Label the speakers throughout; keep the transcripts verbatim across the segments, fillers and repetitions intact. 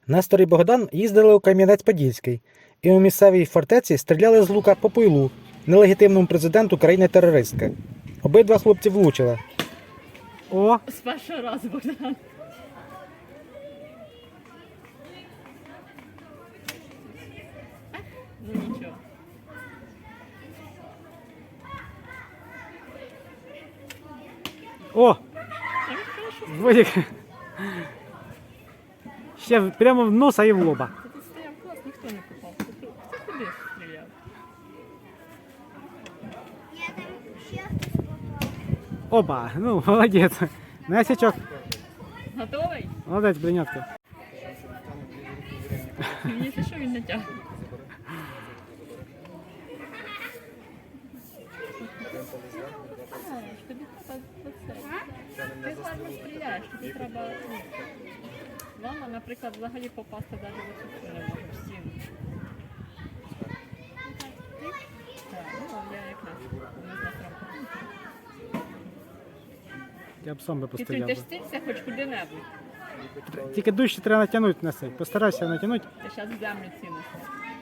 Speaker 1: Нестор і Богдан їздили у Кам'янець-Подільський і у місцевій фортеці стріляли з лука по Пуйлу, нелегітимному президенту країни-терористки. Обидва хлопці влучили. О!
Speaker 2: З першого разу, Богдан. Ну нічого.
Speaker 1: О!
Speaker 2: А він хорошо.
Speaker 1: Вадик. Ще прямо в носа і в лоба.
Speaker 2: Ти тут стояв клас, ніхто не попав. Хто хто куди стріляв?
Speaker 3: Я там ще хтось попав.
Speaker 1: Оба, ну, молодець. Насічок.
Speaker 2: Готовий?
Speaker 1: Молодець, бринятка.
Speaker 2: Мені це що він натягне? Знаєш, тобі треба оце. Ти гарно стріляєш, тобі треба... ну, Мама, наприклад, взагалі попасти навіть в оцю не може в стіну. Так, ну я якраз не знаю.
Speaker 1: Я б сам би
Speaker 2: Ти
Speaker 1: постріляв.
Speaker 2: ти
Speaker 1: би.
Speaker 2: стілься хоч куди-небудь.
Speaker 1: Тільки дужче треба натягнути на цей. Постарайся натягнути.
Speaker 2: Ти зараз в землю цінишся.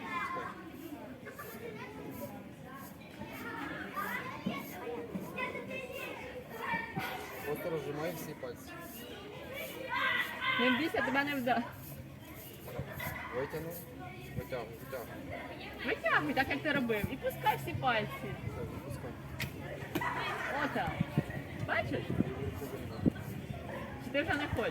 Speaker 4: Просто розжимай всі пальці.
Speaker 2: Не бійся, тебе не вда.
Speaker 4: Витягнув. Витягуй, витягуй.
Speaker 2: Витягуй, так як ти робив, і пускай всі пальці.
Speaker 4: Все, запускай.
Speaker 2: Отак. Бачиш? Чи ти вже не хочеш?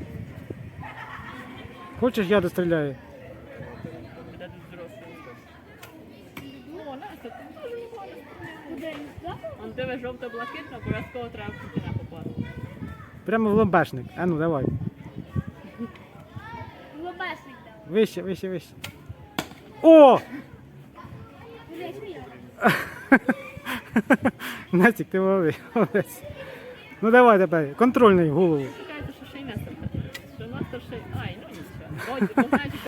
Speaker 1: Хочеш, я достріляю?
Speaker 2: Буде тут взрослий. О, Настя, ти теж ніколи не стріляв. Он тебе жовто-блакитно, обов'язково треба в Путіна попасти.
Speaker 1: Прямо в ломбешник. А ну, давай.
Speaker 3: Лобесник дав.
Speaker 1: Вище, вище, вище. О!
Speaker 3: Блять, мій.
Speaker 1: Настік, ти молодець. молодець. Ну давай тепер, контрольний в голову.
Speaker 2: Чекайте, що ще й Нестор. Що Нестор ще й... Ай, ну нічого. Ой, ти знаєш,